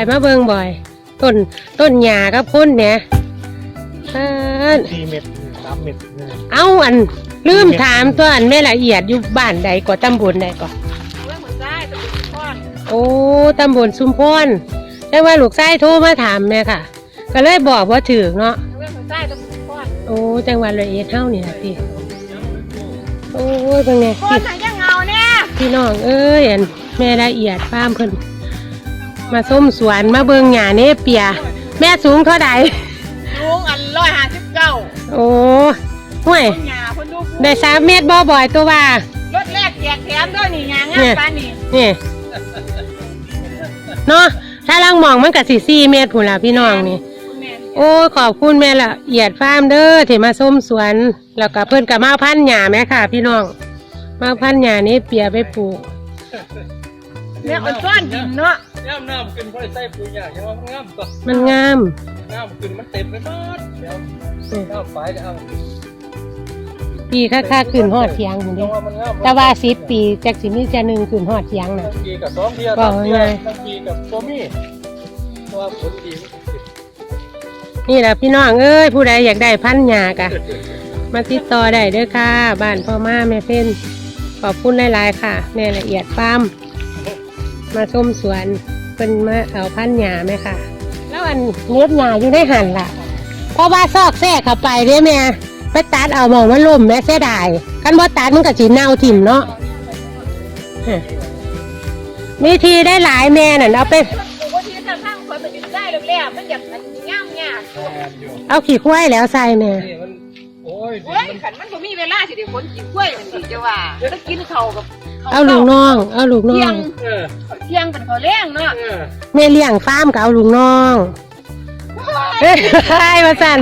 มาเบิ่งบ่อยต้นหญ้ากับคนเนี่ย 4 เม็ด3 เม็ดเอาอันลืมถามตัวอันแม่ละเอียดอยู่บ้านใดก็ตำบลใดก็โอ้ตำบลชุมพรแต่ว่าลูกชายโทรมาถามแม่ค่ะก็เลยบอกว่าถือเนาะโอ้จังหวัดร้อยเอ็ดเฮานี่ล่ะพี่โอ้ยเป็นไงพี่น้องเอ้ยอันแม่ละเอียดฟาร์มเพิ่นมาส้มสวนมาเบิ่งหญ้าเนเปียแม่สูงเท่าใดสูงอัน159 โอ้ห่วยได้3 เมตรบ่อยตัวว่ารถแรกแจกแถมด้วยนี่หญ้างามปานนี้นี่เนาะถ้าลังมองมันก็สิ4 เมตรพุ่นล่ะพี่น้องนี่โอ้ขอบคุณแม่ละเอียดฟาร์มเด้อที่มาส้มสวนแล้วก็เพิ่นก็มาพันหญ้าแม่ค่ะพี่น้องมาพันหญ้านี่เปียไปปลูกเนี่ยมันซ่อนดินเนาะน้ำขึ้นเพราะใส่ปุ๋ยหญ้ายังว่ามันงามก็มันงามน้ำขึ้นมันเต็มไปหมดเดี๋ยวน้ำไปเดี๋ยวปีค่าขึ้นฮอดเถียงพุ่นเด้แต่ว่า10 ปีจักสิมีจะ1ขึ้นฮอดเถียงน่ะปีกับ2 เดือน3 เดือนปีกับบ่มีเพราะว่าผลดีนี่แหละพี่น้องเอ้ยผู้ใดอยากได้พันหญ้ากะมาติดต่อได้เด้อค่ะบ้านพ่อมาแม่เพิ่นขอบคุณหลายๆค่ะแม่ละเอียดฟาร์มมาชมสวนเพิ่นมาเอาพันหญ้าแม่ค่ะแล้วอันเล็บหญ้าอยู่ในหันล่ะเพราะว่าซอกแทรกเข้าไปเด้แม่ไปตัดเอาหมองมันล่มแม่เสียดายคันบ่ตัดมันก็สิเน่าถิ่มเนาะมีทีได้หลายแม่นั่นเอาไปเอาขี้ควายแล้วใส่เนี่ยโอ้ยขันมันก็มีเวลาสิเดี๋ยวคนกินกล้วยมันสิจะว่าแล้วกินเขากับเอาลูกน้องเที่ยงเป็นเขาเลี้ยงเนาะแม่เลี้ยงฟาร์มก็เอาลูกน้องใช่มาสั่น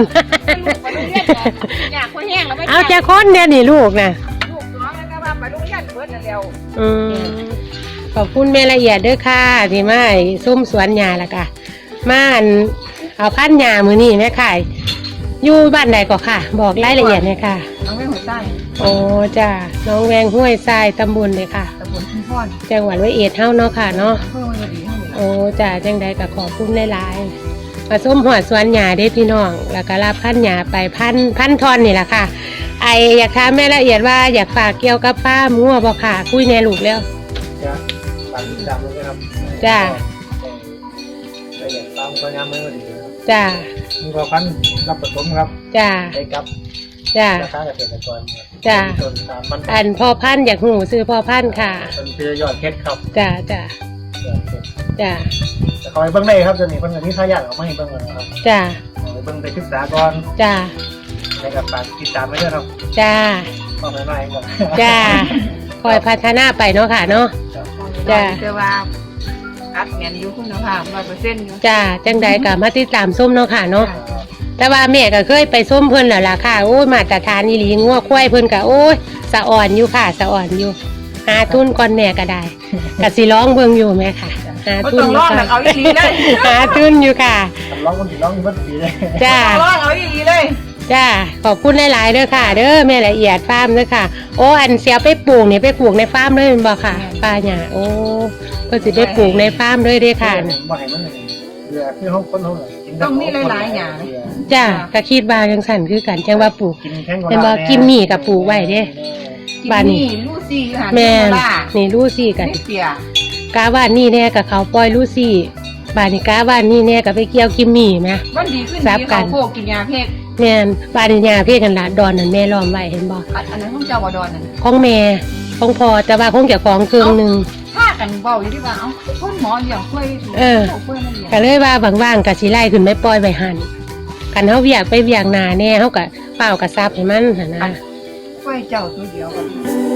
เอาแค่คนเดียวนี่ลูกนะลูกน้องแล้วก็ว่าไปโรงเรียนเบิดนั่นแล้วขอบคุณแม่ละเอียดด้วยค่ะที่มาส้มสวนหญ้าละค่ะมาเอาพันหญ้ามือนี่แม่ค่ะอยู่บ้านไหนก็ค่ะบอกรายละเอียดเลยค่ะน้องแวงห้วยทรายโอ้จ้าน้องแวงห้วยทรายตำบลเลยค่ะตำบลชุมพรจังหวัดร้อยเอ็ดเท่าเนาะค่ะเนาะโอ้จ้าจังใดก็ขอบคุณหลายๆมาส้มหัวสวนหญ้าได้พี่น้องแล้วก็รับพันหญ้าไปพันทอนนี่แหละค่ะไออยากถามแม่ละเอียดว่าอยากฝากเกี่ยวกับป้ามั่วบ่ค่ะคุยแน่ลูกแล้วฝากติดตามด้วยครับจ้าละเอียดตามพยายามไม่ดีจ้ามีพอพันรับผสมครับจ้าได้ครับจ้าราคาเกษตรกรจ้าอันพ่อพันอยากหูซื้อพ่อพันค่ะเป็นเพื่อยอดเพชรครับจ้าจ้าจะคอยเบิ้งได้ครับจะมีเบิ้งที่ทายาทเขาไม่ให้เบิ้งเลยครับจ้าเบิ้งไปศึกษาก่อนจ้าในกับฝากติดตามไว้ด้วยครับจ้าต้องหน่อยก่อนจ้าคอยพัฒนาไปเนาะค่ะเนาะจ้าแต่ว่าอัดเงินอยู่คุณภาพ100%อยู่จ้าจังใดกับมาติดตามส้มเนาะค่ะเนาะแต่ว่าแม่ก็เคยไปส้มเพิ่นแล้วล่ะค่ะโอ้ยมาตรฐานอีหลีงัวควายเพิ่นก็โอ้ยสะอ่อนอยู่ค่ะสะอ่อนอยู่หาทุนก่อนแม่ก็ได้ก็สิร้องเบิ่งอยู่แม่ค่ะหาทุนอยู่ค่ะเอาอีหลีเลยหาทุนอยู่ค่ะร้องคนสิร้องอยู่บ่ดีเลยจ้าร้องเอาอีหลีเลยจ้าขอบคุณหลายๆเด้อค่ะเด้อแม่ละเอียดฟาร์มเด้อค่ะโอ้อันเสียไปปลูกนี่ไปปลูกในฟาร์มเลยแม่นบ่ค่ะป้าหญ้าโอ้ก็สิไปปลูกในฟาร์มเลยเด้อค่ะบ่ให้มันเบื่อที่ห้องคนเฮาต้องมีหลายๆอย่างจ้าก็คิดว่าจังซั่นคือกันจังว่าปลูกเป็นบ่กินหมี่กับปลูกไว้เด้บ้านนี้ลูซี่ค่ะแม่นี่ลูซี่กันกาบ้านนี่แน่กับเขาปล่อยลูซี่บ้านนี้กาบ้านนี่แน่กับไปเกี่ยวกิมมี่แม่มันดีขึ้นดีเขาโคกินยาเพกแม่นบ้านนี้ยาเพกกันล่ะดอนนั่นแม่ล้อมไว้เห็นบ่อันนั้นของเจ้าบ่ดอนนั่นของแม่ของพ่อแต่ว่าของเจ้าของเครื่องนึงถ้ากันเว้าอยู่ที่ว่าเอ้าคนหมออย่างค่อยก็เลยว่าว่างๆก็สิไล่ขึ้นไปปล่อยไว้หั่นคันเฮาเวียกไปเวียกหน้าแน่เฮาก็เฝ้ากระซับให้มันหั่นนะค่อยเจ้าตัวเดียวกัน